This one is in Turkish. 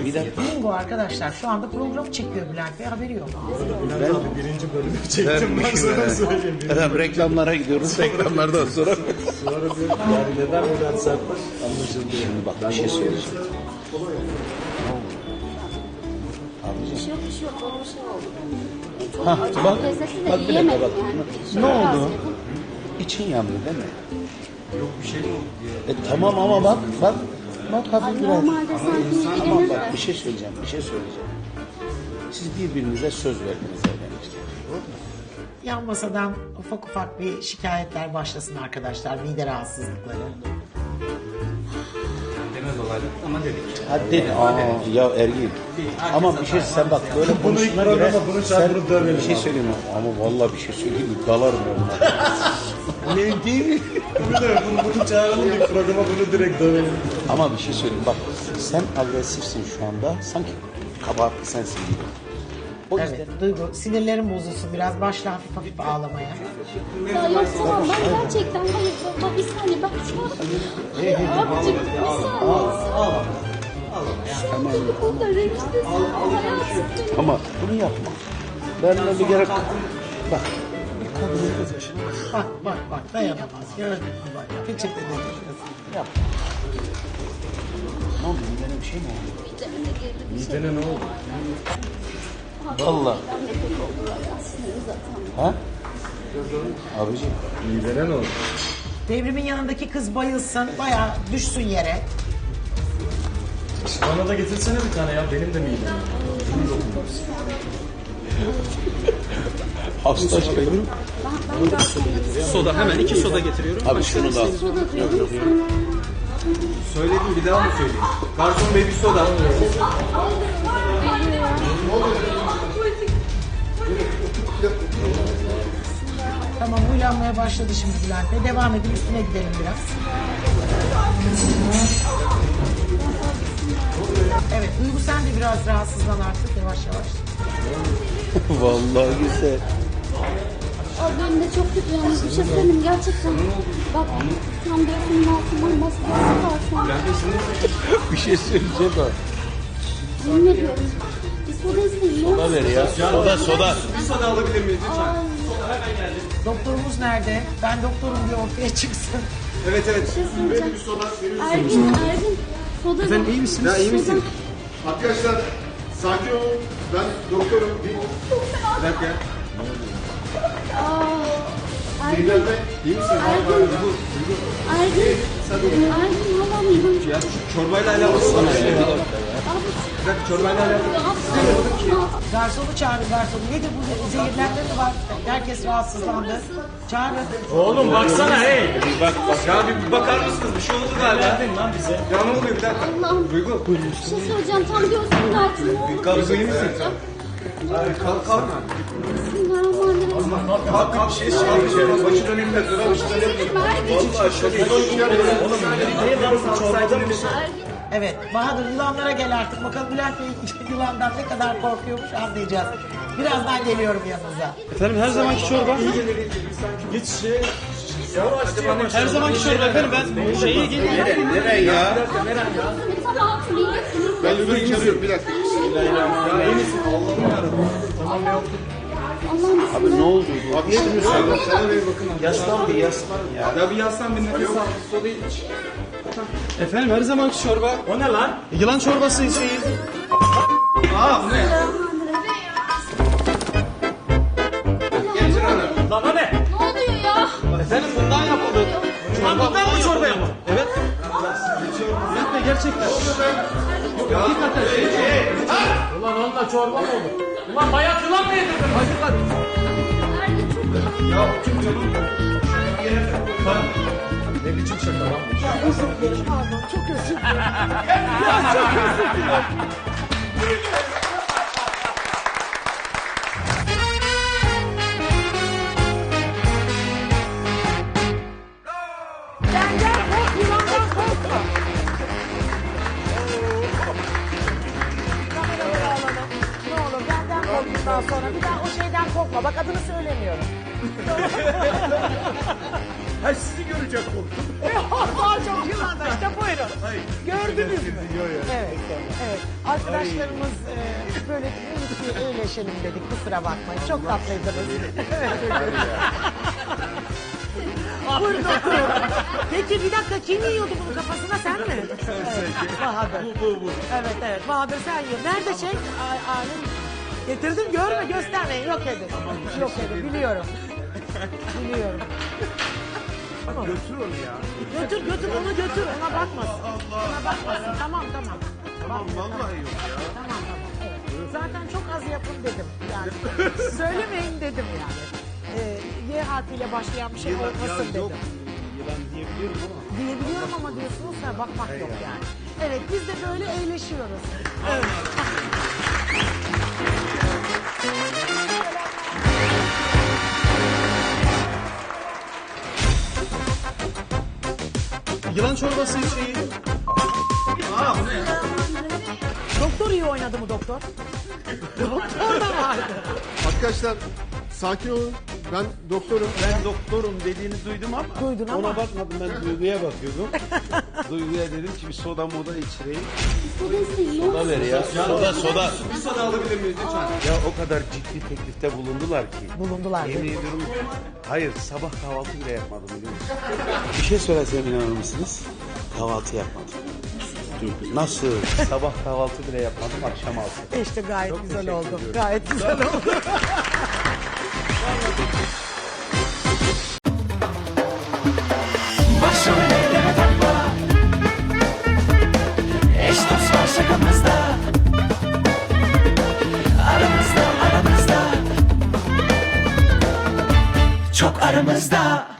Bir dakika. Bingo arkadaşlar. Şu anda programı çekiyor Bülent Bey. Haberi yok. Bülent abi birinci bölümü çektim ben sana söyleyeyim. Efendim reklamlara gidiyoruz. Reklamlardan sonra. Sonra bir yani neden Bülent Sertbaş anlaşıldı yani. Bak bir şey söyleyeceğim. Bir şey yok, bir şey yok. Bana bir şey oldu. Çok Ha, acı bak, lezzeti de bak bir dakika yiyemedim bak. yani. Ne oldu? Biraz yedim. İçin yandı değil mi? Yok bir şey mi oldu? Tamam ama bak. Bak hafif Ay, biraz. normalde sanki Tamam ilgilenir bak de. bir şey söyleyeceğim. Siz birbirinize söz verdiniz evlenirken. Doğru mu? Yan masadan ufak ufak bir şikayetler başlasın arkadaşlar. Mide rahatsızlıkları. Demez olaydı ama dedik. Hadi ya Ergin. Ama bir şey sen bak böyle Bunu ilk konuştuğuna göre programa bunu sen çarpılıp dövelim bir şey abi. söyleyeyim mi? Ama vallahi bir şey söyleyeyim mi? Dalarım onlara. Ne değil mi? Bunu çağıralım ilk programa bunu direkt dövelim. Ama bir şey söyleyeyim bak sen agresifsin şu anda sanki kabahatli sensin gibi. O yüzden Evet Duygu sinirlerim bozulsun. Biraz başla hafif hafif ağlamaya. Ya yok tamam ben gerçekten hayır baba bir saniye ben şu an abicim bir saniye. Şu an bu konuda renklisin hayatım. ama bunu yapma. Benimle bir gerek bak Bak dayanamaz. Gördün mü bak. Peçete dedi. yapma. Ne oldu? Midene bir şey mi oldu? Mideme de girdi bir şey. Midene ne oldu? Vallahi. Ben de kötü oldu ya sinirim zaten. Ha? Abiciğim. Midene ne oldu? Devrimin yanındaki kız bayılsın. Bayağı düşsün yere. Bana da getirsene bir tane ya benim de midem. Hasta şey. Ben zaten Soda hemen 2 soda getiriyorum. Abi şunu da al. soda diyorum. Söyledim bir daha mı söyleyeyim? Garson bey bir soda. Tamam uylanmaya başladı şimdi Bülent Bey. Devam edin üstüne gidelim biraz. Evet Duygu sen de biraz rahatsızlan artık yavaş yavaş. Vallahi güzel. Abi benim de çok kötü yalnız bir şey söyleyeyim gerçekten. Bak tam gözümün altından maskesi var şu an. Bir şey söyleyeceğim bak. Yemin ediyorum. Bir soda isteyeyim. Soda ver ya. Soda. Bir soda alabilir miyiz lütfen? Doktorumuz nerede? Ben doktorum diye ortaya çıksın. Evet evet. Bir şey söyleyeceğim. Ergin. Soda Efendim iyi misiniz? Ya iyi misin? Arkadaşlar sakin olun. Ben doktorum. Bir dakika. Ergin. Bilal Bey, iyi misin? Ergin. Ergin alamıyorum. Ya şu çorbayla alakalı var. Bir dakika çorbayla alakalı. Garsonu çağırın garsonu. Nedir bu zehirlenme mi var? Herkes rahatsızlandı. Çağırın. Oğlum baksana hey. Ya bir bakar mısınız? Bir şey oldu galiba. Geldin lan bize. Ya ne oluyor bir dakika? Allah'ım. Duygu. Bir şey söyleyeceğim. Tam gözümün altında. Duygu iyi misin? Kalk kalk. Bismillahirrahmanirrahim. Kalk bir şey söyle. Başı döneminde dur. Başı döneminde. Vallahi şöyle. Evet Bahadır yılanlara gel artık. Bakalım Bülent Bey yılandan ne kadar korkuyormuş anlayacağız. Birazdan geliyorum yanınıza. Efendim her zamanki çorba. Git şey. Yavaş yavaş. Her zamanki çorba efendim ben şeyi geleyim. Nereye ya? Tamam. Ben Lübey'i çağırıyorum bir dakika. Ya iyi misin? Allah'ım yarabbim. Tamam ya. Allah'ım Abi ne oldu? Abi işte müsaade. Sana ver bakın. Yaslan bir yaslan ya. Ya bir yaslan bir nefes al. Soda iç. Efendim her zamanki çorba. O ne lan? Yılan çorbası şeyi. Aa bu ne? Getir onu. Lan o ne? ne oluyor ya? Efendim bundan yapıldı. Lan bundan mı çorba yapın? Evet. Bülent Bey gerçekten. Hakikaten Ulan onunla çorba mı olur? Ulan bayat yılan mı yedirdin? Hadi lan. Ya kim canım? Ne biçim şaka lan bu? Benden kork, yılandan korkma. Kameraları alalım. Ne olur benden kork bundan sonra. Bir daha o şeyden korkma. Bak adını söylemiyorum. Ha sizi görecek korktum. Daha çok yılanda işte buyurun. Gördünüz mü? Evet, evet. Arkadaşlarımız böyle dedik ki öyleleşelim dedik, kusura bakmayın. Çok tatlıydınız. Buyurun oturun. Peki bir dakika, kim yiyordu bunun kafasına, sen mi? Evet, Bahadır. Bu. Evet, evet. Bahadır sen yiyor. Nerede şey? Alim. Getirdim, görme, göstermeyin. Yok edin. Yok edin, biliyorum. Biliyorum. Tamam. Götür onu ya. Götür, onu götür. Ona bakmasın. Ona bakmasın. Tamam. Tamam vallahi yok ya. Tamam. Evet. Zaten çok az yapın dedim. Yani söylemeyin dedim yani. Y harfiyle başlayan bir şey olmasın dedim. Yılan diyebiliyorum ama. Diyebiliyorum ama diyorsunuz ya, bakmak yok yani. Evet, biz de böyle eğleşiyoruz. Evet. Yılan çorbası şeyi. Doktor iyi oynadı mı doktor? Doktor da vardı. Arkadaşlar sakin olun. Ben doktorum. Ben doktorum dediğini duydum ama Duydun ama. ona bakmadım, ben Duygu'ya bakıyordum. Duygu'ya dedim ki bir soda moda içireyim. Soda ver ya. Soda. Bir soda alabilir miyiz lütfen? Ya o kadar ciddi teklifte bulundular ki. Bulundular. Yemin ediyorum. Hayır, sabah kahvaltı bile yapmadım biliyor musun? Bir şey söylesem inanır mısınız? Kahvaltı yapmadım. Nasıl? Sabah kahvaltı bile yapmadım, akşam altı. İşte gayet Çok güzel teşekkür oldu. ediyorum. Gayet güzel oldu. Başrol eyleme takla. Eş dost var şakamızda. Aramızda. Çok aramızda.